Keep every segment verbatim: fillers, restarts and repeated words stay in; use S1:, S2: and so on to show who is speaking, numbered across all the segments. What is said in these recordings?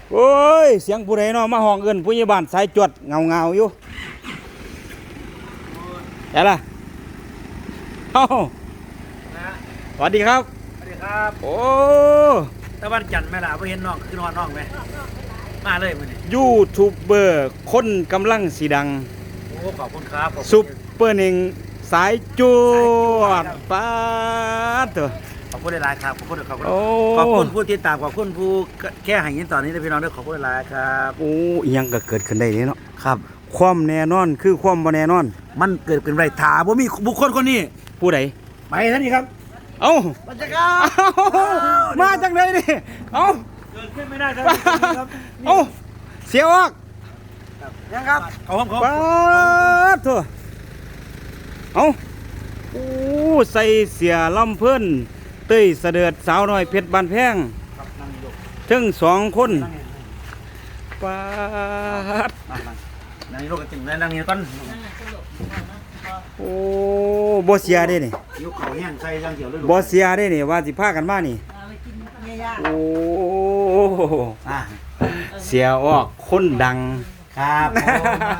S1: โอ้ยเสียงผู้ใดเนาะมาห้องเอิ้นผู้ใหญ่บ้านสายจวดเงาๆอยู่แต่ล่ะเอ้าสวัสดีครับ
S2: สวัสดีครับ
S1: โอ้
S2: ตะวันจันทร์แม่ล่ะบ่เห็นน้องคือนอนน้องไหมมาเลยมื้อนี้
S1: ยูทูบเบอร์คนกำลังสีดัง
S2: โอ้ขอบคุณครับขอบคุณ
S1: ซุปเปอร์หนึ่งสายจวดป๊าดเถอะ
S2: ขอบคุณหลายๆครับขอบคุณขอบคุณ
S1: โอ้
S2: ขอบคุณผู้ติดตามขอบคุณผู้แค่ให้ยินตอนนี้นะพี่น้องด้วยขอบคุณหลายๆครับ
S1: โอ้อิหยังก็เกิดขึ้นได้เนาะ
S2: ครับ
S1: ความแน่นอนคือความบ่แน่นอน
S2: มันเกิดเป็นไรถาบ่มีบุคคลคนนี้
S1: ผู้ใด
S2: ไปท่านนี้ครับ
S1: เอ้า
S2: มาจากครับ
S1: มาจากไหนนี่เอ้า
S2: เกิดขึ้นไม่ได้ครับครับ
S1: เอ้าเสียออก
S2: ยังครับขอบคุณครับ
S1: ป๊าดเถอะเอ้าโอ้ใส่เสียลำเพิ่นเต้ยเสด็จสาวน้อยเพชรบานแพง
S2: ครับนั่งอยู่
S1: ถึงสองคน
S2: นั่งนี่
S1: ป๊าด
S2: นั่งนั่งนั่งนี่ลูกกระติ่งนั่งนี่ก่อน
S1: โอ้บ่เสียเด้นี่
S2: ยุคเขาแห้งใส่ยังเดียวเลย
S1: บ่เสียเด้นี่ว่าสิพากันมานี่โอ้
S2: อ่า
S1: เสียออกคนดัง
S2: ครับผม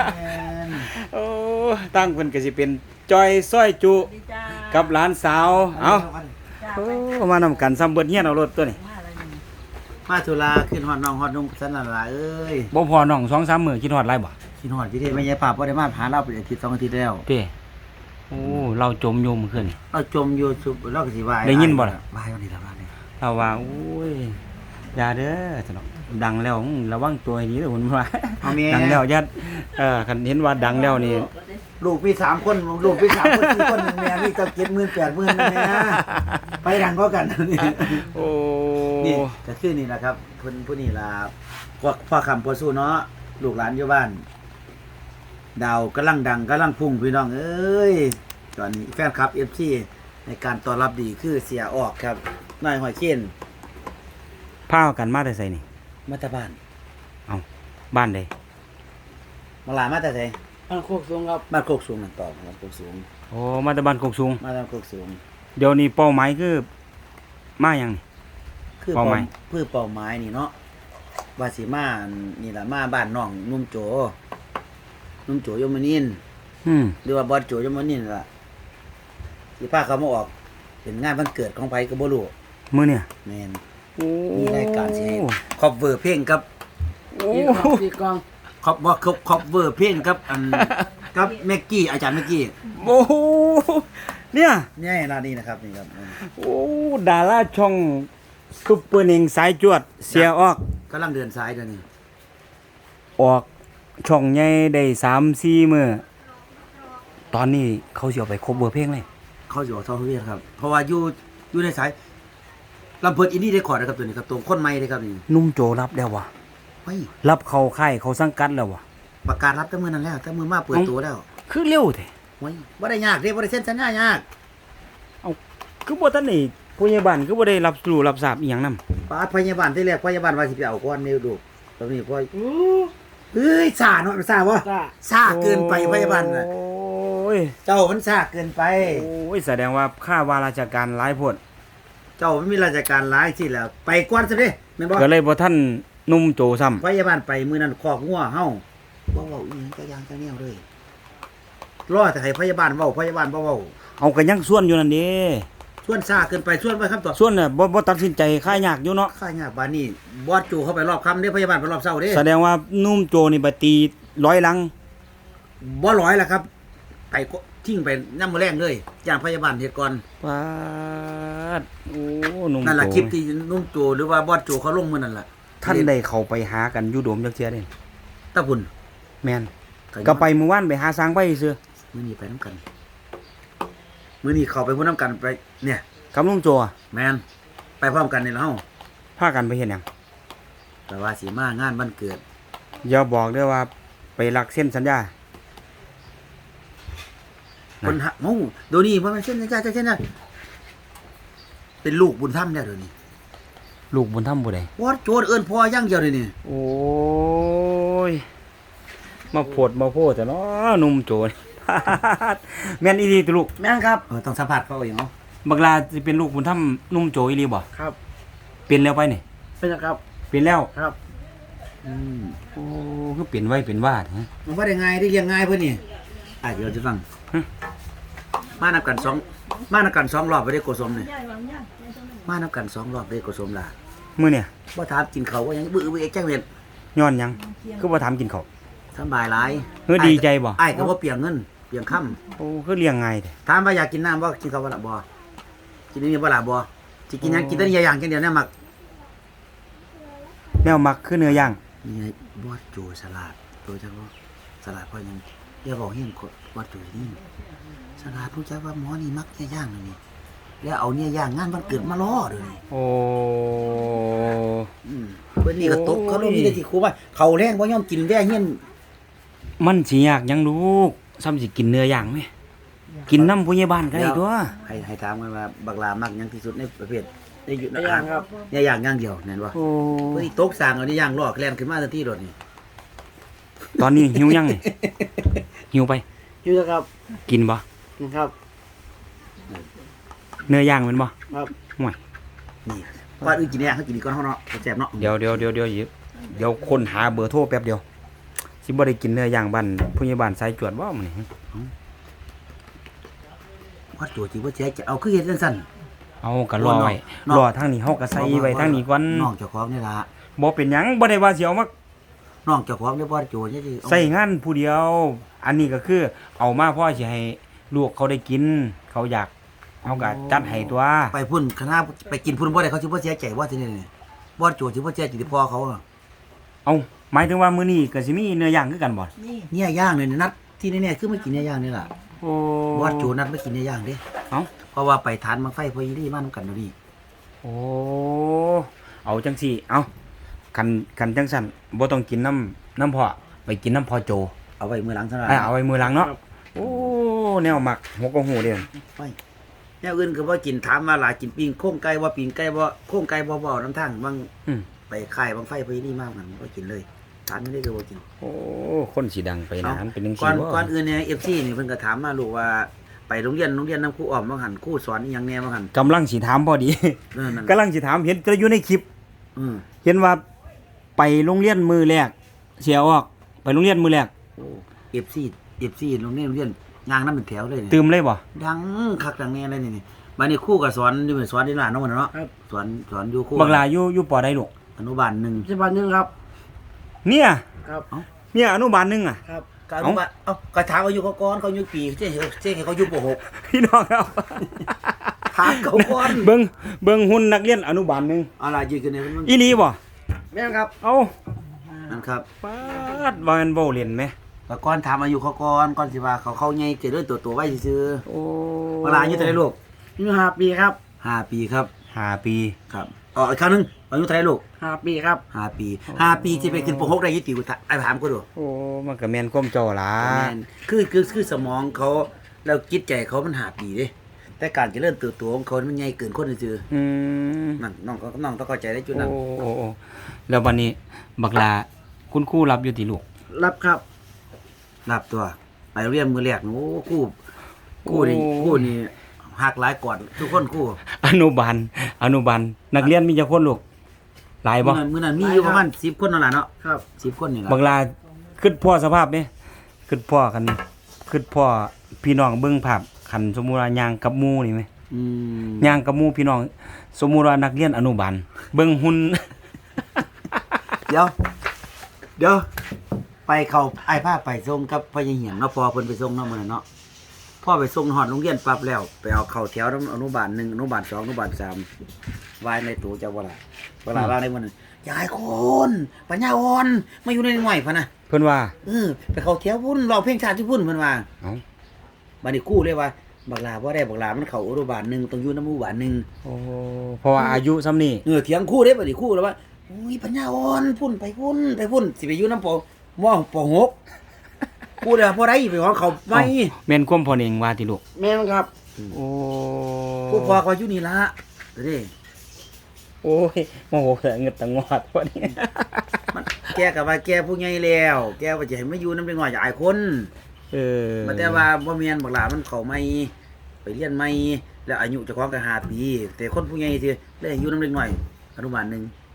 S1: โอ้ตั้งเพิ่นก็สิเป็นจอยซ้อยจุกับหลานสาวเอาโอ้มานำกันซ้ำเบิดเฮียนเอารถตัวนี้
S2: มาธุระขึ้นฮอดน้องฮอดนุ่งสันนั่นล่ะเอ้ย
S1: บ่พอน้อง สองสาม มื้อคิดฮอดหลายบ่
S2: ขึ้นฮอดที่เทศแม่ยายป่าบ่ได้มาหาเราเป็นอาทิตย์สองอาทิตย์แล้ว
S1: เป้โอ้เราจมอยู่เมื่อคืนนี่
S2: เราจมอยู่สุบเราก็สิวาย
S1: ได้ยินบ่ล่ะ
S2: วายวันนี้ละวันนี้
S1: เราว่าโอ้ยอย่าเด้อสนอกดังแล้วอื้อระวังตัวให้ดีเด้อคุณว่า
S2: เอาแม่
S1: ดังแล้วอย่าเอ่อคันเห็นว่าดังแล้วนี่
S2: ลูกพี่สามคนลูกพี่สามคนสี่คนแม่นี่ตั้งเจ็ดหมื่นแปดหมื่นแม่ไปดังก็กันนี่
S1: โอ้
S2: นี่ก็คือนี่แหละครับเพิ่นผู้นี่ล่ะพวกพ่อคำพ่อสู้เนาะลูกหลานอยู่บ้าน ดาวกำลังดังกำลังพุ่งพี่น้องเอ้ยตอนนี้แฟนคลับ เอฟ ซี ในการต้อนรับดีคือเสียออกครับนายหอยเคน
S1: พากันมาแต่ไสนี่
S2: มาแต่บ้าน
S1: เอ้าบ้านใด
S2: มาหลานมาแต่ไส
S3: บ้านโคกสูงครับ
S2: บ้านโคกสูงนั่นต่อบ้านโคกสูง
S1: โอ้มาแต่บ้านกกสูง
S2: มาบ้านโคกสูง
S1: เดี๋ยวนี้เป้าหมายคือมาหยังนี่
S2: คือ
S1: เป้าหมาย
S2: เพื่อเป้าหมายนี่เนาะว่าสิมานี่ล่ะมาบ้านน้องนุ่มโจนุ่มโจยมนินทร์
S1: อืม
S2: หรือว่าบอสโจยมนินทร์ล่ะสิพาเขามาออกเป็นงานวันเกิดของไผก็บ่รู้
S1: มื้อเนี่ย
S2: แม่น
S1: โอ้
S2: มีรายการสิให้คอฟเวอร์เพลงครับ
S1: โอ้
S3: ตีกองตีกอง
S2: คอฟว่าคอฟคอฟเวอร์เพลงครับอันกับแม็กกี้อาจารย์แม็กกี้
S1: โอ้โหเนี่ย
S2: นี่ร้านนี้นะครับนี่ครับ
S1: โอ้ดาราช่องซุปเปอร์หนึ่งสายจวดเสียออก
S2: กำลังเดินสายเดี๋ยวนี้
S1: ออกช่องใหญ่ได้สามสี่มื้อตอนนี้เขาสิเอาไปครบเบอร์เพลงเลย
S2: เขาอยู่ทอเวียครับ เพราะว่าอยู่อยู่ในสายลำเพิดอินดี้ได้คอร์ดนะครับตัวนี้ครับตัวคนใหม่เลยครับนี่
S1: นุ่มโจรับแล้ววะ
S2: เฮ้ย
S1: รับเข้าค่ายเขาสังกัดแล้ววะ
S2: ประกาศรับแต่มือนั้นแล้วแต่มือมาเปิดตัวแล้ว
S1: คือเร็วแท้
S2: เฮ้ยบ่ได้ยากเด้บ่ได้เซ็นสัญญายาก
S1: คือบ่ทันได้ผู้ใหญ่บ้านคือบ่ได้รับรู้รับทราบอีหยังนำ
S2: ปาดพยาบาลที่แรกพยาบาลว่าสิไปเอาก่อนนี่ดูตอนนี้พอเฮ้ยซ่าเนาะซ่าบ่
S3: จ้า
S2: ซ่าเกินไปพยาบาลน่ะ
S1: โอ้ย
S2: เจ้ามันซ่าเกินไป
S1: โอ้ยแสดงว่าค่าว่าราชการหลายโพด
S2: เจ้ามันมีราชการหลายที่แล้ว ไปก่อนซะเด้แม่นบ่
S1: ก็เลยบ่ทันนุ่มโจซ้ำ
S2: พยาบาลไปมื้อนั้นคอกงัวเฮาบ่เว้าอีหยังจักอย่างจักแนวเลยรอแต่ให้พยาบาลเว้าพยาบาลบ่เว้า
S1: เอาก็ยังส่วนอยู่นั่นเด้
S2: ส่วนซ่าเกินไปส่วนไปครับต่อ
S1: ส่วนน่ะบ่บ่ตัดสินใจค่ายยากอยู่เนาะ
S2: ค่ายากบานนี้บอสจูเข้าไปรอบค่ำเด้พยาบาลไปรอบเช้าเด้
S1: แสดงว่านุ่มโจนี่ไปตีร้อยหลัง
S2: บ่ร้อยแล้วครับ ไปก็ทิ้งไปน้ำมือแรงเลยจ้างพยาบาลเฮ็ดก่อน
S1: ปาดโอ้นุ่ม
S2: นั่น
S1: โจ
S2: ล่ะคลิปที่นุ่มโจหรือว่าบอสจูเขาลงมื้อนั่นล่ะ
S1: ท่านได้เข้าไปหากันอยู่โดมจักเที่ยเด้
S2: ตะพุ่น
S1: แม่นก็ไปเมื่อวานไปหาสร้างไปซื่อ
S2: มื้อนี้ไปนํกันมื้อนี้เข้าไปพุ่นนํกันไปเนี่ย
S1: กับนุ่มโจอะ
S2: แม่นไปพร้อมกันนี่ล่ะเฮา
S1: พากันไปเฮ็ดหยัง
S2: แต่ว่าสิมางานวันเกิด
S1: อย่าบอกเด้อว่าไปลักเส้นสัญญา
S2: คนหักเฮาเดี๋ยวนี้บ่แม่นเส้นจ้าจ้าเส้นนะเป็นลูกบุญธรรมแล้วเดี๋ยวนี้
S1: ลูกบุญธรรมผู้ใด
S2: บอสโจเอิ้นพ่ออย่างเดียวเลยนี่
S1: โอ้ยมาโพดมาโพดแต่เนาะนุ่มโจร แม่นอีหลีติลูก
S2: แม่นครับเออต้องสัมผัสเขาเองเนาะ
S1: บักลาสิเป็นลูกบุญธรรมนุ่มโจอีหลีบ่
S3: ครับ
S1: เป็นแล้วไปนี่
S3: เป็นยังครับ
S1: เป็นแล้ว
S3: ครับ
S2: อืม
S1: โอ้คือเป็นไว้เป็นวาดฮะ
S2: มันว่าได้ง่ายได้เรียงง่ายเพิ่นนี่อ่ะเดี๋ยวจะฟัง
S1: ฮะ
S2: มานับกันสองมานับกันสองรอบไปได้โกสมนี่มานับกันสองรอบได้โกสมล่ะ
S1: มื้อเนี่ย
S2: บ่ถามกินข้าวว่าหยังบื้อบื้อแจ้งเวร
S1: ย้อนหยังคือบ่ถามกินข้าว
S2: สบายหลาย
S1: เฮ้ยดีใจบ่
S2: อ้ายก็บ่เปลียงเงินเปลียงค่ำ
S1: โอ้คือเลี้ยงง่ายแท้
S2: ถามว่าอยากกินน้ำบ่กินข้าวบ่ล่ะบ่กินนี่บ่ล่ะบ่สิกินหยังกินแต่นี่อย่างจังเดียวเนี่ยมัก
S1: แนวมักคือเนื้อย่าง
S2: นี่ไงบอดโจสลัดโจจังว่าสลัดเพราะหยังอย่าบอกเฮียนกดบอดโจนี่สลัดรู้จักว่าหมอนี่มักเนี่ยย่างเลยนี่แล้วเอาเนี่ยย่างงานวันเกิดมาล้อเด้อนี่
S1: โอ้
S2: อืมเพิ่นนี่ก็ตกเขาลงนี่ได้ที่ครูว่าเขาแรงบ่ยอมกินแว่เฮียน
S1: มันสิยากหยังลูกซ้ำสิกินเนื้อย่างไหมกินน้ำผู้ใหญ่บ้านก็ได้ตัว
S2: ให้ให้ถามกันว่าบักลามักหยังที่สุดในประเภทในอยู่ใน
S3: ย่างครับ
S2: เนี่ยย่างอย่างเดียวแม่นบ่
S1: โอ้
S2: เพิ่นนี่ตกสร้างเอาเนี่ยย่างล้อแล่นขึ้นมาทันทีโดดนี่
S1: ตอนนี้หิวยังนี่ หิวไป
S3: อยู่นะครับ
S1: กินบ่
S3: นะครับ
S1: เนื้อย่างแมันบ่
S3: ครับ
S1: ห่วย
S2: นี่ก่อนอื่นกินเนี่ยเขากินนี่ก่อนเฮาเนาะแซ่บเนาะ
S1: เดี๋ยวเดี๋ยวเดี๋ยวเดี๋ยวหยิบเดี๋ยวคนหาเบอร์โทรแป๊บเดียวสิบ่ได้กินเนื้อย่างบ้านผู้ใหญ่บ้านสายจวดบ่มื้อนี้
S2: วัดโจสิบ่แจ๊จะเอาคือเฮ็ดจังซั่น
S1: เอาก็รอไว้
S2: เนาะ
S1: รอทางนี้เฮาก็ใส่ไว้ทางนี้ก่อน
S2: น้องเจ้าของนี่ล่ะ
S1: บ่เป็นหยังบ่ได้ว่าสิเอามา
S2: น้องเจ้าของเนี่ยบ่ได้โจรเนี่ยสิเอา
S1: ใส่งานผู้เดียว อันนี้ก็คือเอามาเพราะสิให้ลูกเขาได้กิน เขาอยากเฮาก็จัดให้ตัว
S2: ไปพุ่นคณะไปกินพุ่นบ่ได้เขาสิบ่เสียใจว่าที่นี่นี่บ่โจรสิบ่เสียใจที่พ่อเขาอะ
S1: เอาหมายถึงว่ามื้อนี้ก็สิมีเนื้อย่างคือกันบ่
S2: เนี่ยย่างเนี่ยนัดที่แน่ๆคือไม่กินเนี่ยย่างนี่ล่ะ
S1: โอ้
S2: บ่โจรนัดไม่กินเนี่ยย่างเด้
S1: เอ้า
S2: เพราะว่าไปทานมังไฟพอยีรี่มานํกันเดี๋ยวนี้
S1: โอ้เอาจังซี่เอาคันคันจังซั่นบ่ต้องกินน้ำน้ำพ่อไปกินน้ำพ่อโจ
S2: เอาไว้มื้อหลังซะล่ะ
S1: อ่ะเอาไว้มือหลังเนาะโอ้แนวหมักหัวกะหูเด้อ
S2: ไปแนวอื่นก็บ่กินถามว่าหลายกินปิ้งโค้งไก่บ่ปิ้งไก่บ่โค้งไก่บ่บ่นํทางบาง
S1: อืม
S2: ไปค่ายบางไฟพอยีรี่มากันบ่กินเลยถามไม่ได้ก็บ่กิน
S1: โอ้คนสิดังไปนานเป็นจัง
S2: ก่
S1: ซี่
S2: อน
S1: บ่
S2: ก่อนอื่นเนี่ย เอฟ ซี นี่เพิ่นก็ถามมาลูกว่าไปโรงเรียนโรงเรียนนำครูอ้อมบ่หันครูสอนอีหยังแหน่บ่หัน
S1: กำลังสิถามพอดี
S2: เออนั่น
S1: กำลังสิถามเห็นจะอยู่ในคลิป
S2: อือ
S1: เห็นว่าไปโรงเรียนมือแรกเสียออกไปโรงเรียนมือแรก
S2: โอ้ เอฟ ซี เอฟ ซี โรงเรียนโรงเรียนย่างนำเป็นแถวเลยนี่
S1: ตื่มเลยบ่
S2: ดังคักดังแน่เลยนี่นี่บัดนี้ครูก็สอนอยู่สอนที่ร้านเนาะเนาะ
S3: ครับ
S2: สอนสอนอยู่ครู
S1: บักลาอยู่อยู่ปอใดลูก
S2: อนุบาลหนึ่ง
S3: สิบวันหนึงครับ
S1: เนี่ย
S3: ครับ
S1: เนี่ยอนุบาลหนึงอ่ะ
S3: ครับ
S2: ก็อนุบาลเอ้าก็ถามอายุเขาก่อนเขาอายุปีเจ๊เจ๊ให้เขาอายุป หก
S1: พี่น้องครับ
S2: ถามเขาก่อน
S1: เบิ่งเบิ่งหุ่นนักเรียนอนุบาลหนึง
S2: อะไรยืนกันเนี่ยมัน
S1: อีหลีบ่
S3: แม่นครับ
S1: เอ้า
S2: นั่นครับ
S1: ปาดว่ามันเว้าเล่นไหม
S2: ก็ก่อนถามอายุเขาก่อนก่อนสิว่าเขาเข้าใหญ่เจริญตัวตัวไว้ซื่อ
S1: โอ้
S2: ๆเวลาอายุเท่าไหร่ลูก
S3: อายุห้าปีครับ
S2: ห้าปีครับ
S1: ห้าปี
S2: ครับอ๋ออีกครั้งหนึงอายุเท่าไหรลูก
S3: ห้าปีครับ
S2: ห้าปีห้าปีจะไปขึ้นปหกได้ยี่ติวไอ้ถามกูดู
S1: โอ้มันก็แม่นความเจ้าล่ะ
S2: แม่นคือคือคือสมองเขาแล้วจิตใจเขามันห้าปีเด้แต่การเจะเริ่มเติบโตของเขามันใหญ่เกินคนซื่อ
S1: อืม
S2: ๆนั่นน้องก็น้องต้องเข้าใจได้จุดนั้น
S1: โอ้โอ้โอ้แล้ววันนี้บักลาคุณครูรับอยู่ติลูก
S3: รับครับ
S2: รับตัวไปโรงเรียนมือแรกโอ้คู่คู่นี่คู่นี่หักหลายก่อนทุกคนคู่
S1: อนุบาลอนุบาลนักเรียนมีจักคนลูกหลายบ่
S2: มื้อนั้นมื้อนั้นมีอยู่ประมาณสิบคนนั่นแหละเนาะ
S3: ครับ
S2: สิบคนนี่ล่ะ
S1: บักลาคิดพ่อสภาพนี่คิดพ่อกันคิดพ่อพี่น้องเบิ่งภาพคันสมมุติว่าย่างกับหมู่นี่ไหม
S2: อืม
S1: ย่างกับหมู่พี่น้อง สมมุติว่านักเรียนอนุบาลเบิ่งหุ่น
S2: เดี๋ยว เดี๋ยว ไปเขาไอ้ผ้าไปส่งกับพ่อใหญ่เหียงเนาะพอเพิ่นไปส่งเนาะมื้อนั้นเนาะพ่อไปส่งฮอดโรงเรียนปั๊บแล้วไปเอาเข้าแถวอนุบาลหนึ่งอนุบาลสองอนุบาลสามวายในตู้เจ้าบ่ล่ะบ่ล่ะว่าในมื้อนั้นยายคนปัญญาอ่อนมาอยู่ในหน่วยพะนะ
S1: เพิ่นว่า
S2: เออไปเข้าแถวพุ่นร้องเพลงชาติที่พุ่นเพิ่นว่า
S1: เอ้า
S2: บัดนี้ครู่เลยว่าบักลาบ่ได้บักลามันเข้าอนุบาลหนึ่งต้องอยู่นำอนุบาลหนึ่ง
S1: โอ้เพราะว่าอายุซ้ำนี่
S2: เออเถียงครู่เด้บัดนี้ครู่แล้วว่าอุ้ยปัญญาอ่อนพุ่นไปพุ่นไปพุ่นสิไปอยู่นำปมปหกครู่เด้อบ่ได้ไปของเขาไม่
S1: เอ้าแม่นความพ่อเองว่าติลูก
S3: แม่นครับ
S1: โอ้
S2: ผู้พ่อก็อยู่นี่ละเด้
S1: โอ้ยโมโหเงิดตังงอดวันนี้
S2: มันแกก็ว่าแกผู้ใหญ่แล้ว แกว่าจะให้มาอยู่นำเด็กน้อยหลายคน
S1: เออ
S2: มันแต่ว่าบ่แม่นบักหลามันเข้าใหม่ไปเรียนใหม่แล้วอายุเจ้าของก็ห้าปี แต่คนผู้ใหญ่สิเลยอยู่นำเด็กน้อยอนุบาลหนึ่งโอ้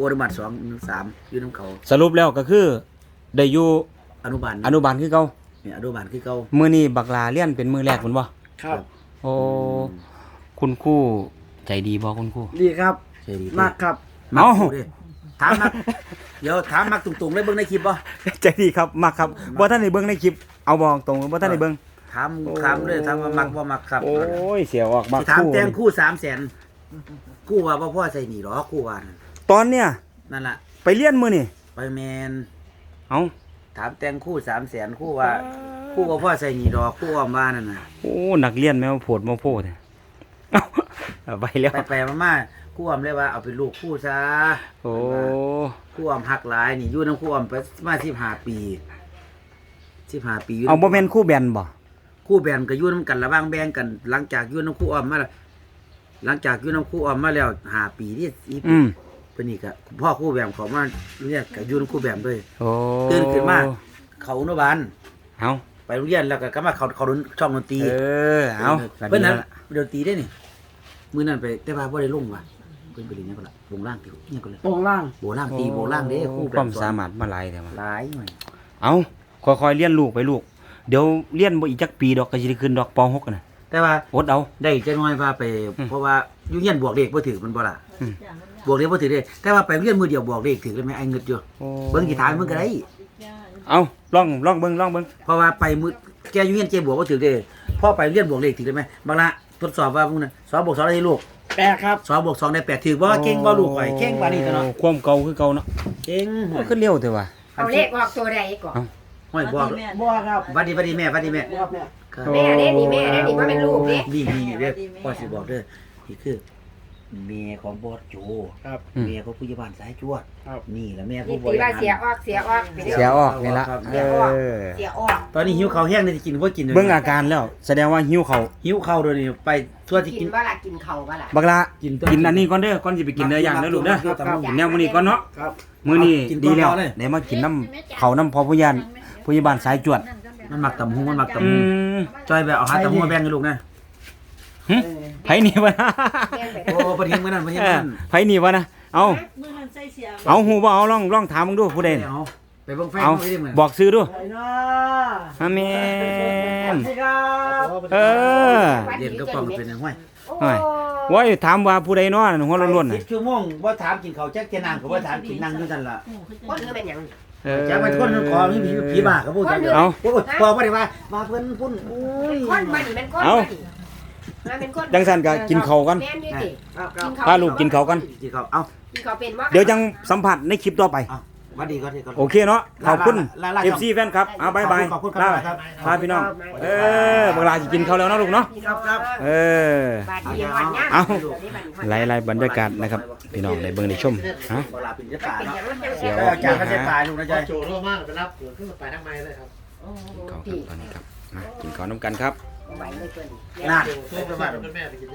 S2: อนุบาลสองสามอยู่น้ำเขา
S1: สรุปแล้วก็คือได้อยู่
S2: อนุบาล
S1: อนุบาลคือเก่า
S2: เนี่ยอนุบาลคือเก่า
S1: มื้อนี้บักลาเรียนเป็นมื้อแรกพุ่นบ่
S3: ครับ
S1: โอ้คุณครูใจดีบ่คุณครู
S3: ดีครับ
S2: ใช่ดี
S3: มากครับ
S2: มัก
S1: เอ้า
S2: กูดิถามมักเดี๋ยวถามมักตุงๆเลยเบิ่งในคลิปบ่
S1: ใจดีครับมักครับบ่ท่านได้เบิ่งในคลิปเอาบอกตรงบ่ท่านได้เบิ่ง
S2: ถามถามเลยถามว่ามักบ่มักครับ
S1: โอ้ยเสียออกมัก
S2: สิถาม
S1: คู่
S2: แตงคู่สามแสนคู่ว่าบ่พ่อใส่หนีหรอคู่ว่านั่น
S1: ตอนเนี้ย
S2: นั่นล่ะ
S1: ไปเรียนมื้อนี่
S2: ไปแมน
S1: เอ้า
S2: ถามแตงคู่สามแสนคู่ว่าคู่ว่าพ่อใส่หนีดอกคู่ว่าว่านั่นน่ะ
S1: โอ้นักเรียนแม่ว่าโพดมาโพดเนี่ยเอ้าเอาไปแล้ว
S2: ไปไปมามาคู่ว่าเลยว่าเอาเป็นลูกคู่ซะ
S1: โอ้
S2: คู่ว่าหักหลายนี่อยู่นำคู่ว่าไปมาสิบห้าปีสิบห้าปียู่
S1: เอาบ่แม่นครู่แบนบ่
S2: คู่แบ่งก็อยู่นำกันระหว่างแบ่งกัน หลังจากอยู่นำคู่อ้อมมาแล้วหลังจากอยู่นำคู่อ้อมมาแล้วห้าปีนี่อี
S1: อืม
S2: เพิ่นนี่ก็พ่อคู่แบ่งเขามาเรียกก็อยู่นำคู่แบ่งด้วย
S1: โอ้
S2: ตื่นขึ้นมา เขาอนุบาล
S1: เอา
S2: ไปโรงเรียนแล้วก็กลับมาเขาเขาดนช่องดนตรี
S1: เออเอา
S2: เพิ่นนั้นดนตรีได้นี่มื้อนั้นไปแต่ว่าบ่ได้ลงว่ะเพิ่นไปเรียนหยังก็ล่ะลงล่างติหยังก็เลย
S3: โปร่งล่าง
S2: โบล่างตีโบล่างเด้คู่
S1: ความสามารถมาหลายแต่ว่า
S2: หลายหน่อย
S1: เอาค่อยๆเรียนลูกไปลูก เดี๋ยวเรียนบ่อีกจักปีดอกก็สิได้ขึ้นดอกป .หก น่ะ
S2: แต่ว่า
S1: อดเอา
S2: ได้จักหน่อยว่าไป
S1: อืม
S2: เพราะว่าอยู่เรียนบวกเลขบ่ถือมันบ่ล่ะ
S1: อืม
S2: บวกเลขบ่ถือเด้แต่ว่าไปเรียนมื้อเดียวบวกเลขถือได้ไหมไอ้เงิดอยู่
S1: โอ้
S2: เบิ่งกี่ทางมึงก็ได้
S1: เอาลองลองเบิ่งลองเบิ่ง
S2: เพราะว่าไปมื้อแกอยู่เรียนเกบวกบ่ถือเด้พอไปเรียนบวกเลขถือได้ไหมบางละทดสอบว่ามึงน่ะสองบวกสองได้ลูก
S3: แปดครับ
S2: สองบวกสองได้แปดถือบ่เก่งบ่ลูกข่อยเก่งกว่านี้ตัวเนาะ
S1: ความเก่าคือเก่าเนาะ
S2: เก่ง
S1: โอ้ขึ้นเร็วแต่ว่า
S4: เอาเลขออกตัวใดก่อน
S2: ห้อยบอก
S3: บัวครับ
S2: หวัดดีหวัดดีแม่หวัดดีแม่
S3: ครับแม่
S2: ครับ
S4: แม่เด้นี่แม่เด้นี่ว่าเป็นลูกเด้
S2: นี่นี่เด้อพ่อสิบอกเด้อนี่คือเมียของบอสโจ
S3: ครับ
S2: เมียของผู้ใหญ่บ้านสายจวด
S3: ครับ
S2: นี่แหละแม่
S4: นี่
S2: ผู้บ
S4: ตี
S2: ริ
S4: ว่า
S2: หาร
S4: เสียออกเสียออกไปเดี๋ยว
S1: เสียออกนี่ละ
S2: ครับ
S1: เออ
S4: เสียออก
S2: ตอนนี้หิวข้าวแห้งเลยจะกินบ่กินลย
S1: เบิ่งอาการแล้ว แสดงว่าหิวเขาว
S2: หิวข้าวเดี๋ยวนี้ไปทั่วที่
S4: กิ
S2: กิ
S4: น
S2: น
S4: ว่าล่ะกินเข่าว่าล่ะ
S1: บักละ
S2: กิน
S1: กินอันนี้ก่อนเด้อก่อนสิไปกินเนื้อย่างเด้อลูกเด้อ
S2: ครับครับ
S1: กินแนวมื้อนี้ก่อนเนาะ
S3: ครับ
S1: มื้อนี้
S2: กินก่อน
S1: ดีแล้ว
S2: เอาเลย
S1: ได้มากินน้ำเขาน้ำพอผู้ยานผู้ใหญ่บ้านสายจวด
S2: มันหมักตำหุงมันหมักตำ
S1: อื
S2: หุง
S1: ม
S2: จอยแบบเอาหาตำหุงมาแบ่งให้ลูกนะ
S1: หึไผนี่วะนะ
S4: แม่งไป
S2: โอ้ประเทศมื้อนั้นประเทศ
S1: เอ
S2: มื้อ
S1: อ
S2: นั้น
S1: ไผนี่วะนะเอา
S5: มือหันใส่เสีย
S1: เอาหูบ่เอาลองลองถามมึงดูผู้ใดน่ะ
S2: เอาไปเบิ่งไฟ
S1: เอา
S2: เขาได้มื้อ
S1: บอกซื้อดู
S3: ไปเนาะ
S1: อาเมน
S3: สวัสดีครับ
S1: เออ
S2: เรียนก็ป้องเป็นจังห้วย
S4: โอ้
S1: โอ้ยถามว่าผู้ใดเนาะหัวล้วนๆ
S2: สิ
S1: น่ะ
S2: บชั่วโมงบ่ถามกินข้าวจักแค่นางก็บ่ถามกินนั่งอยู่นั่นล่ะ
S4: คนคือเป็นหยัง
S1: เออ
S2: จักไปทนขอมีผีผีบ้าก็พูดจังเดียว
S1: เอา
S2: โอ้ยพอบ่ได้ว่ามาเพิ่นพุ่นโอ้ย
S4: คนมานี่เป็นคน
S1: เอา
S4: มาเป็นคน
S1: จังซั่นก็กินข้าวกัน
S4: แม่นอยู่ดิ
S3: ครับครับ
S1: พาลูกกินข้าวกัน
S2: กินข้าวเอ้า
S4: กินข้าวเป็นว่า
S1: เดี๋ยวจังสัมผัสในคลิปต่อไป
S2: เอ้าหวัดดีก่อนที่ก่อน
S1: โอเคเนาะขอบคุณ
S2: ลาลาลา
S1: เอฟซี แฟนครับเอาบายบาย
S2: ขอบคุณครับ
S1: ลา
S2: ครับ
S1: พาพี่น้อง เออเวลาจะกินข้าวแล้วเนาะลูกเนาะ
S2: ครับครับ
S1: เออ
S4: บาดเดียววันย่าง
S1: เอา
S4: ดี๋ยวนี้บัดนี้
S1: ไล่ไล่บรรยากาศนะครับ พี่น้องได้เบิ่งได้ชมฮะ
S2: เวลาเป็นจะตาย
S4: เป็น
S2: เนาะ
S4: หยังมันจัง
S1: เสี
S4: เสี
S1: ย
S4: ยว
S2: แล้วจานก็ใช้ตายลูกนะ
S5: พ
S2: จ๊ะ
S5: อโจโร่มากไปรับขึ้นไปทางไม้เลยครับ
S4: โอ้โห
S1: ข้าวค
S4: พี่
S1: รับตอนนี้ครับมากินข้าวน้ำกันครับ
S4: ไหวเลยเกิน
S2: นั่น
S5: โจโร่มาเป็นแม่ไปกิน